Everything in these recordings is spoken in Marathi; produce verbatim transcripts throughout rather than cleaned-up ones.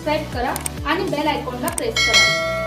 सबस्क्राईब करा आणि बेल आयकॉनला प्रेस करा.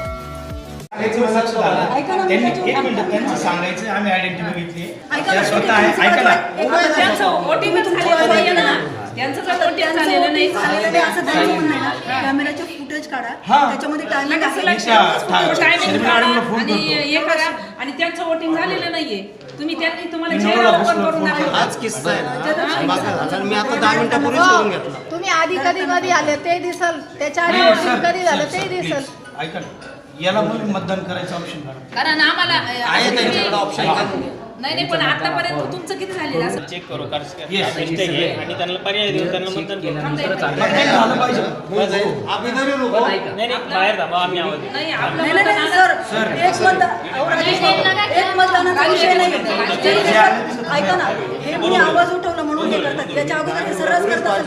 त्यांनी एक मिनिट त्यांचं सांगायचं आम्ही आयडेंटिटी घेतली त्या स्वतः आहे ऐका ना त्यांचं वोटिंगच झालेलं नाहीये ना त्यांचं जर वोटिंग झालेलं नाही झालेलं नाही असं त्यांचं म्हणणं आहे ना कॅमेराचे फुटेज काढा त्याच्यामध्ये टायमिंग टायमिंग काढा आणि हे करा आणि त्यांचं वोटिंग झालेलं नाहीये तुम्ही त्यांनी तुम्हाला चेहरा ओपन करून दाखवा. आज किस्सा आहे ना मी आता दहा मिनिटापूर्वीच करून घेतला. तुम्ही आधी कधी कधी आले ते दिसल त्याच्या आधी voting कधी झालं ते दिसल. ऐका ना याला म्हणून मतदान करायचं ऑप्शन काढा कारण आम्हाला आहे त्यांच्याकडे ऑप्शन नाही नाही पण आतापर्यंत तुमचं किती झालेलं असं चेक करू आणि त्यांना पर्याय देऊन त्यांना मतदान करू. मतदान झालं पाहिजे आम्ही जरी लोक नाही नाही बाहेर थांबा आम्ही आवाज देऊ. नाही आपलं मतदान सर एक मतदान एक मतदानाचा विषय नाही ऐका ना हे मी आवाज उठवला म्हणून हे करतात त्याच्या अगोदर हे सर्वच करतात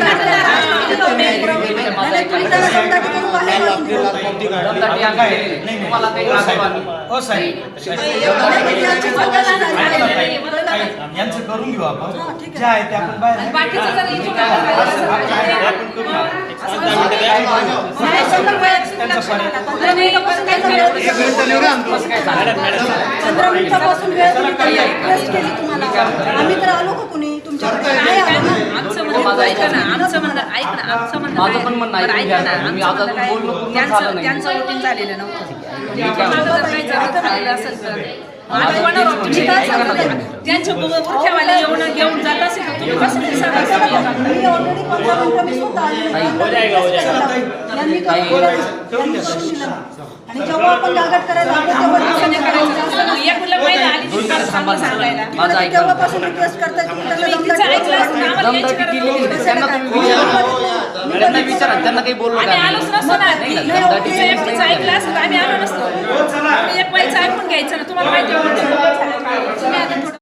यांचं करून घेऊ आपण जे आहे ते आपण बाहेर बाकीचं जर इथून आपण करू चंद्रमिठापासून वेळ रिक्वेस्ट केली तुम्हाला आम्ही तर आलो का कुणी तुमच्याकडे नाही आलो ना आमचं म्हणणं ऐका ना आमचं म्हणणं ऐक ना आमचं म्हणणं माझं पण म्हणणं बरं, ऐका ना मी आमचं आता म्हणणं काय बोललो पूर्ण त्यांचं झालं नाही. त्यांचं वोटिंग झालेलं नव्हतं माझं जर काही जर झालेलं असेल तर माझं कोणावर तुम्ही काय सांगता त्यांच्या बुरख्यावाले येऊन घेऊन जात असेल तर तुम्ही कसं ते सांगा मी ऑलरेडी पंधरा मिनिटं मी स्वतः यांनी करून दिलं आणि जेव्हा आपण गागाट करायला लागलो तेव्हा दिवसाने करायचं असतं एक मुलं पहिला आली ती फार चांगलं सांगायला माझं ऐका. तेव्हापासून रिक्वेस्ट करतात की त्यांना दमदाटी केली नाही. त्यांना तुम्ही विचारा त्यांना विचारा त्यांना काही बोललो आम्ही का आलोच नसतो ना तिचं एकटीचं ऐकलं असतं तर आम्ही आलो नसतो आम्ही एक वेळचं ऐकून घ्यायचं ना तुम्हाला माहिती होतं